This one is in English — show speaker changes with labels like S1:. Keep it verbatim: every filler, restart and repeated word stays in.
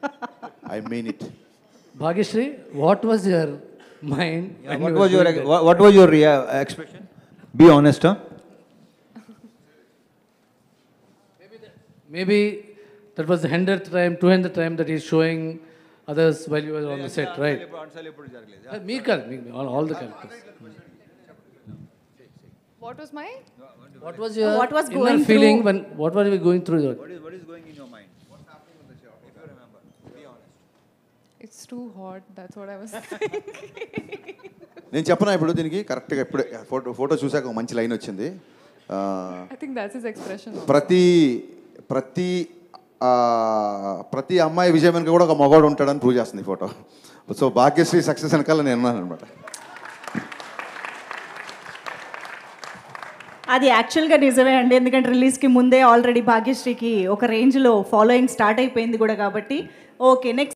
S1: I mean it.
S2: Bhagyashree, what was your mind?
S3: Yeah, what, was your, what, what was your rea- expression? Be honest, huh?
S2: Maybe that was the hundredth time, two hundredth time that he's showing others while you were on the set, right? Me, me, all, all the characters.
S4: What was my?
S2: What was your
S5: What was
S2: inner
S5: going
S2: feeling
S5: through-
S2: when? What were you going through?
S3: What is, what is going in your mind? What's happening on the show? If you remember, be honest.
S4: It's too hot. That's what I was saying.
S1: నేను చెప్పనా ఇప్పుడు దీనికి కరెక్ట్గా ఇప్పుడే photo photo చూసాక ఒక మంచి line వచ్చింది.
S4: I think that's his expression.
S1: ప్రతి ప్రతి ఆ, ప్రతి అమ్మాయి విజయం వెనుక కూడా ఒక మగవాడు ఉంటాడని ప్రూవ్ చేస్తుంది ఈ ఫోటో. సో భాగ్యశ్రీ సక్సెస్ వెనకాల నేను ఉన్నాను అనమాట.
S5: అది యాక్చువల్గా నిజమే అండి, ఎందుకంటే రిలీజ్కి ముందే ఆల్రెడీ భాగ్యశ్రీకి ఒక రేంజ్లో ఫాలోయింగ్ స్టార్ట్ అయిపోయింది కూడా కాబట్టి. Okay, next